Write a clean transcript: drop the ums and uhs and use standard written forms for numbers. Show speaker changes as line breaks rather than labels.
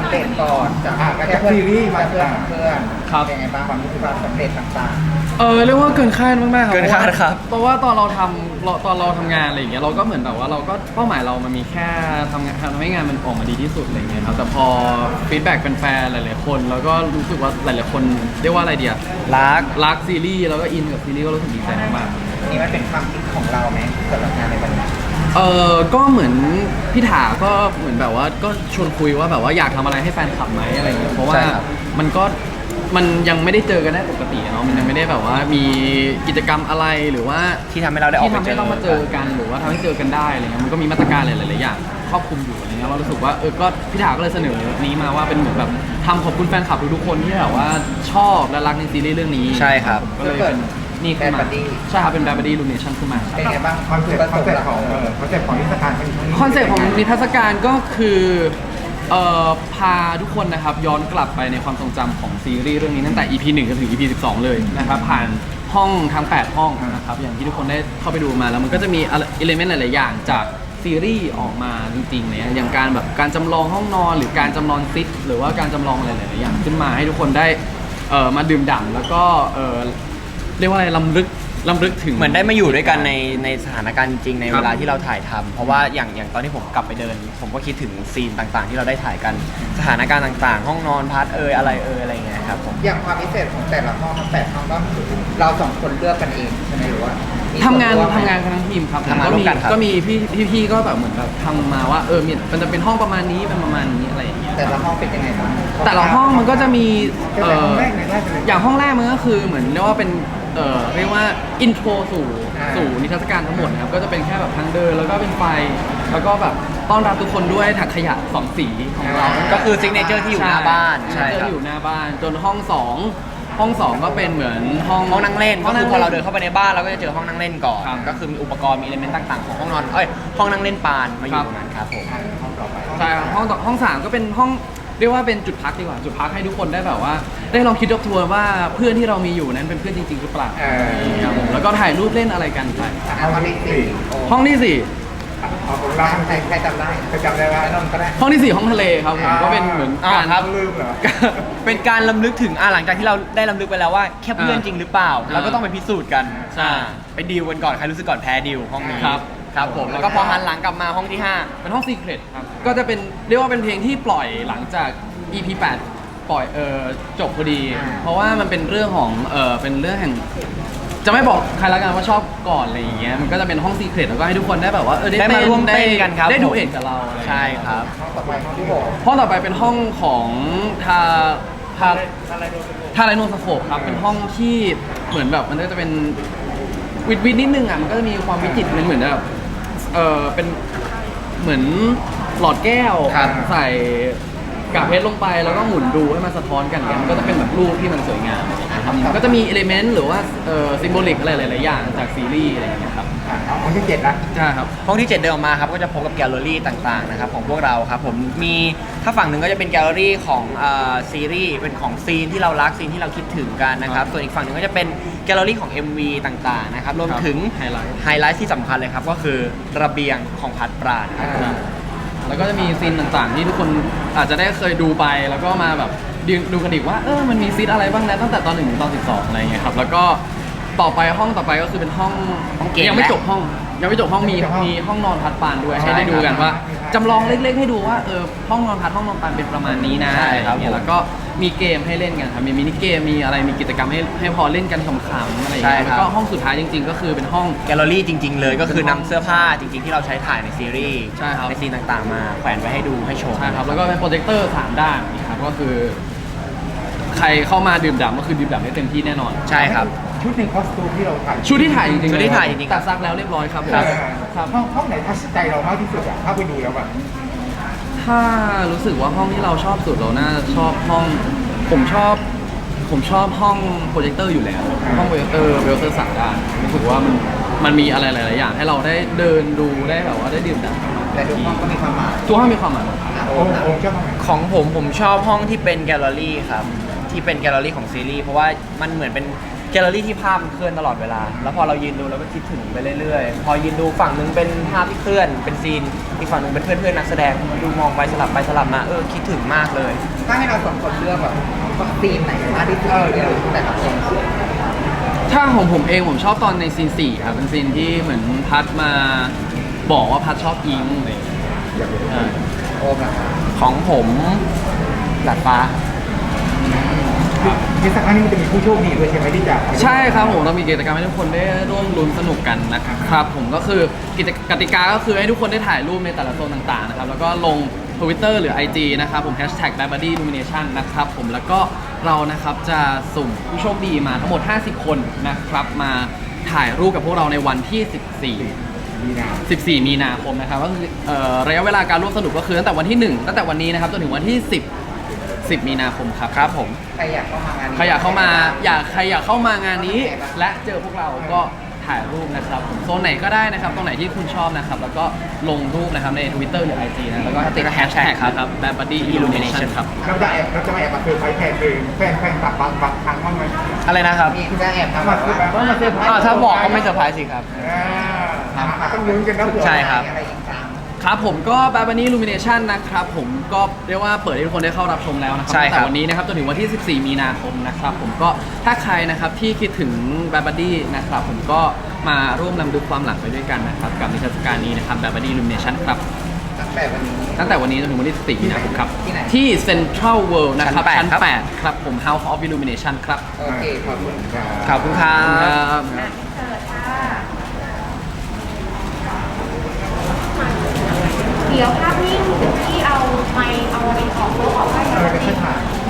เดตก่อนจาก
จากซีรีส์มา
เพื่อนเพื่อน
ครับ
เป็นไงบ้างความรู้สึกความสำเร็จต่าง
เรียกว่าเกินคาดมากๆครับ
เกินคาดครับ
เพราะว่าตอนเราทำงานอะไรอย่างเงี้ยเราก็เหมือนแบบว่าเราก็เป้าหมายเรามันมีแค่ทำให้งานมันออกมาดีที่สุดอะไรเงี้ยครับแต่พอฟีดแบ็กเป็นแฟนหลายๆคนแล้วก็รู้สึกว่าหลายๆคนเรียกว่าอะไรเดีย รักซีรีส์แล้วก็อินกับซีรีส์ก็รู้สึกดีใจมาก
ๆนี่มันเป็นความคิดของเราไหมสำหรับงานในวันนี้
ก็เหมือนพี่ถาก็เหมือนแบบว่าก็ชวนคุยว่าแบบว่าอยากทำอะไรให้แฟนคลับไหมอะไรอย่างเงี้ยเพราะว่า
ใช่ครับ
มันยังไม่ได้เจอกันได้ปกติเนาะมันยังไม่ได้แบบว่ามีกิจกรรมอะไรหรือว่า
ที่ทำให้เราได้ออก
ที่
ไป
ทำ
เจ
ให้
อ
เรามาเจอกันหรือว่าทำให้เจอกันได้อะไรเงี้ยมันก็มีมาตรการหลายๆอย่างครอบคลุมอยู่อะไรเงี้ยเรารู้สึกว่าก็พี่ถาก็เลยเสนอนี้มาว่าเป็นเหมือนแบบทำขอบคุณแฟนคลับทุกๆคนที่แบบว่าชอบและรักในซีรีส์เรื่องนี้
ใช่ครับ
ก็เลยเป็นนี่ขึ้นมา
Bad Buddy
ใช่ครับเป็น Bad Buddy Illumination ขึ้นมาครับ
เป็นไงบ้าง
คอนเซ็ปต์ของนิทรรศการครั้งนี้
คอนเซ็ปต์ของนิทรรศการก็คือพาทุกคนนะครับย้อนกลับไปในความทรงจำของซีรีส์เรื่องนี้ตั้งแต่ EP 1จนถึง EP 12 เลยนะครับผ่านห้องทั้ง 8 ห้องนะครับอย่างที่ทุกคนได้เข้าไปดูมาแล้วมันก็จะมีอิเลเมนต์หลาย ๆ อย่างจากซีรีส์ออกมาจริง ๆ เนี่ยอย่างการแบบการจำลองห้องนอนหรือการจำลองซิทหรือว่าการจำลองอะไรหลาย ๆ อย่างขึ้นมาให้ทุกคนได้มาดื่มด่ำแล้วก็เรียกว่าอะไรล้ำลึกถึง
เหมือนได้มาอยู่ด้วยกันในสถานการณ์จริงๆใน
ครั
เว
บ
ลาที่เราถ่ายทำเพราะว่าอย่างตอนที่ผมกลับไปเดิน ผมก็คิดถึงซีนต่างๆ ที่เราได้ถ่ายกันสถานการณ์ต่างๆ ห้องนอนพาร์ทอะไรอย่างเงี้ยครับผม
อย่างความพิเศษของแต่ละห้องทั้ง8ห้องก็คือเราสองคนเลือกกันเองใช่ไหมหรือว่ามี
ทำงาน
ส่วร่วมไหม
กันทั้งทีมครับ
ทำงานร่วมกันครับ
ก็มีพี่ก็แบบเหมือนแบบทำมาว่ามันจะเป็นห้องประมาณนี้เป็นประมาณนี้อะไรอย่างเงี้ย
แต่ละห้องเป็นยังไงบ้าง
แต่ละห้องมันก็จะมี
แต่ห้องแรกเนี่ยน่าจะเป็น
อย่างห้องแรกมันก็คือเหมือนเรียกว่าเป็นเรียกว่าอินโทรสู่นิทรรศการทั้งหมดนะครับก็จะเป็นแค่แบบทางเดินแล้วก็เป็นไฟแล้วก็แบบต้อนรับทุกคนด้วยถังขยะ2 สีของเรา
ก็คือซิกเนเจอร์ที่อยู่หน้าบ้าน
ใช่
ใช่ครับ
ที่อยู่หน้าบ้านจนห้อง2ก็เป็นเหมือนห้อง
ห้องนั่งเล่น
ห้
ก็
อง
คื
นั่
อง พอเราเดินเข้าไปในบ้านเราก็จะเจอห้องนั่งเล่นก่อน
ครับ
ก็คือมีอุปกรณ์มีอิเลเมนต์ต่างๆของห้องนอนห้องนั่งเล่นปานมาอยู่ตรงนั้นครับผม
ใช่ครับห้อง3ก็เป็นห้องเรียกว่าเป็นจุดพักดีกว่าจุดพักให้ทุกคนได้แบบว่า ได้ลองคิดทบทวนว่าเพื่อนที่เรามีอยู่นั้นเป็นเพื่อนจริงๆหรือเปล่าครับผมแล้วก็ถ่ายรูปเล่นอะไรกันไป
ห้องที่สี่
ห้องที่สี่
เอาของเรา
ใครจำได้
จะจำได้ว่า
นนท์ก็ได้
ห้องที่สี่ห้องทะเลครับผมก็เป็นเหมือนการ
ครับ
ลืมเหรอ
เป็นการลำลึกถึงหลังจากที่เราได้ลำลึกไปแล้วว่าแค่เพื่อนจริงหรือเปล่าเราก็ต้องไปพิสูจน์กัน
ใช่
ไปดีลกันก่อนใครรู้สึกก่อนแพ้ดีลห้องนี้
ครับ
ครับผมแล้วก็พอหันหลังกลับมาห้องที่
เป็นห้องซีเครตครับก็จะเป็นเรียกว่าเป็นเพลงที่ปล่อยหลังจาก EP 8 ปล่อยจบพอดี เพราะว่ามันเป็นเรื่องของเป็นเรื่องแห่งจะไม่บอกใครละกันว่าชอบก่อนอะไรอย่างเงี้ยมันก็จะเป็นห้องซีเครตแล้วก็ให้ทุกคนได้แบบว่า
ได้มาร่วมเต้นกันครับ
ได้ดู
ผม
เอกกับเราอะไรอย่าง
ใช่
เงี้ย
ครับ
ห้องต่อไปห้องที่หก
ห้องต่อไปเป็นห้องของทาไรโนสโคปครับเป็นห้องที่เหมือนแบบมันก็จะเป็นวิดนิดนึงอ่ะมันก็จะมีความวิจิตรเหมือนแบบเป็นเหมือนหลอดแก้ว
ครับ
ใส่กากเพชรลงไปแล้วก็หมุนดูให้มันสะท้อนกันอย่างเงี้ยมันก็จะเป็นแบบรูปที่มันสวยงามนะครับก็จะมีอิเลเมนต์หรือว่าซิมโบลิกอะไรหลายๆอย่างจากซีรีส์อะไรอย่างเงี้ยครับ
เอาของที่7นะ
ใช่ครับ
ห้องที่ 7 เดินออกมาครับก็จะพบกับแกลเลอรี่ต่างๆนะครับของพวกเราครับผมมีถ้าฝั่งหนึ่งก็จะเป็นแกลเลอรี่ของซีรีส์เป็นของซีนที่เรารักซีนที่เราคิดถึงกันนะครับส่วนอีกฝั่งหนึ่งก็จะเป็นแกลเลอรี่ของ MV ต่างๆนะครับรวมถึง
ไฮไลท์
ไฮไลท์ที่สำคัญเลยครับก็คือระเบียงของพัดปราณครับ
แล้วก็จะมีซีนต่างๆ ที่ทุกคนอาจจะได้เคยดูไปแล้วก็มาแบบดูกันอีกว่ามันมีซีนอะไรบ้างนะตั้งแต่ตอน 1 ถึงตอน 12 อะไรเงี้ยครับแล้วก็ต่อไปห้องต่อไปก็คือเป็นห้อง
เกม
ยังไม่จบห้องมีห้องนอนพัดปานด้วยให้ได้ดูกันว่าจำลองเล็กๆให้ดูว่าห้องนอนพัดห้องนอนปานเป็นประมาณนี้นะ
ใช่ครับ
อะไรเงี้ยแล้วก็มีเกมให้เล่นกันครับมีมินิเกมมีอะไรมีกิจกรรมให้พอเล่นกันขำๆอะไรอย่างเงี้ยแล้วก็ห้องสุดท้ายจริง ๆ ก็คือเป็นห้อง
แกลเลอรี่จริง ๆ เลยก็คือนำเสื้อผ้าจริง ๆ ที่เราใช้ถ่ายในซีรีส์
ใช่ครับ
ในซีนต่างๆ มาแขวนไว้ให้ดูให้ชม
ใช่ครับแล้วก็เป็นโปรเจคเตอร์3 ด้านนะครับก็คือ ใครเข้ามาดื่มด่ำก็คือดื่มด่ำได้เต็มที่แน่นอน
ใช่ครับ
ชุดในคอสตูมที่เราถ่าย
ชุดที่ถ่ายจริงๆ
ชุดที่ถ่ายจริงๆ
ตัดซักแล้วเรียบร้อยครับผม
ครับ
ครับ
ห้องไหนทัชใจเรามากที่สุดอ่ะถ้าไปดูแล้วอ่ะ
ถ้ารู้สึกว่าห้องที่เราชอบสุดเราน่าชอบห้องผมชอบห้องโปรเจคเตอร์อยู่แล้วห้องโปรเจคเตอร์3 ด้านรู้สึกว่ามันมีอะไรหลายๆอย่างให้เราได้เดินดูได้แบบว่าได้ดื่มด่ำ
แต่ทุกห้องก็มีความหมาย
ทุกห้องมีความหมายหมด
โอ้
โอ้ชอบห้องไหน
ของผมชอบห้องที่เป็นแกลเลอรี่ครับที่เป็นแกลเลอรี่ของซีรีส์เพราะว่ามันเหมือนเป็นแกลเลอรี่ที่ภาพมันเคลื่อนตลอดเวลา แล้วพอเรายืนดูเราก็คิดถึงไปเรื่อยๆ พอยืนดูฝั่งหนึงเป็นภาพที่เคลื่อนเป็นซีนอีกฝั่งหนึงเป็นเพื่อนๆนักแสดงดูมองไปสลับมาคิดถึงมากเลย
ถ้าให้เราสองคนเลือกแบบซีนไหนมากที่สุดแต่ละคน
ถ้าของผมเองผมชอบตอนในซีน4ครับเป็นซีนที่เหมือนพัดมาบอกว่าพัดชอบอิงอะไรอย่างเงี้ยอ่า
โอมล่ะครับ
ของผมหลัดฟ้า
ที่สักครั้งนี้มันจะมีผู้โชคดีด้วยใช่ไหมที่จะ
ใช่ครับผมเรามีกิจกรรมให้ทุกคนได้ร่วมลุ้นสนุกกันนะครับผมก็คือกติกาก็คือให้ทุกคนได้ถ่ายรูปในแต่ละโซนต่างๆนะครับแล้วก็ลง Twitter หรือ IG นะครับผม #BadBuddyIllumination นะครับผมแล้วก็เรานะครับจะสุ่มผู้โชคดีมาทั้งหมด50 คนนะครับมาถ่ายรูปกับพวกเราในวันที่
มีนา
14 มีนาคมนะครับก็คือระยะเวลาการร่วมสนุกก็คือตั้งแต่วันที่ 1 ตั้งแต่วันนี้นะครับจนถึงวันที่ 10 มีนาคมครับผม
ใครอยากเข้ามางานนี้
ใครอยากเข้ามางานนี้ และเจอพวกเราก็ถ่ายรูปนะครับผมโซนไหนก็ได้นะครับตรงไหนที่คุณชอบนะครับแล้วก็ลงรูปนะครับใน Twitter หรือ IG นะแล้วก็ติดแฮชแท็กครับ BadBuddyIllumination ครับ
เราจะมาแอบมาเซอร์ไพรส์แทนแฟนตับบางครั้งบ้างไหม
อะไรนะครับ
มีจะแอบทำ
มา
แบบ
เซอร์ไพรส์
ว่า
มาเซอร์ไพรส์
ถ้าบอกก็ไม่เซอร์ไพรส์สิครับ
ต้องลุ้นกันนะเผื่อ
ใช่ครับ
อะไรอีกครั้ง
ครับผมก็ BadBuddyIllumination นะครับผมก็เรียกว่าเปิดให้ทุกคนได้เข้ารับชมแล้วนะครั
ใช่ครับ
ตั้งแต่วันนี้นะครับจนถึงวันที่ 14 มีนาคมนะครับผมก็ถ้าใครนะครับที่คิดถึง BadBuddy นะครับผมก็มาร่วมนำดูความหลังไปด้วยกันนะครับกับนิทรรศการนี้นะครับ BadBuddyIllumination ครับ
ตั้งแต่วันนี้
ตั้งแต่วันนี้จนถึงวันที่ 14 มีนาคมครับ
ที่ไหน
ที่ Central World นะครับ
ชั้
ชั้
น
น
8
8 ครับผม House of Illumination ครับ
โอเคขอบคุณ
ขอบคุณครั
ครับ บ
เดี๋ยวภาพนิ่งที่เอาไมค์เอาอะไรออกแล้วออกให้
เราจะ
ดี
ค่อยถ่าย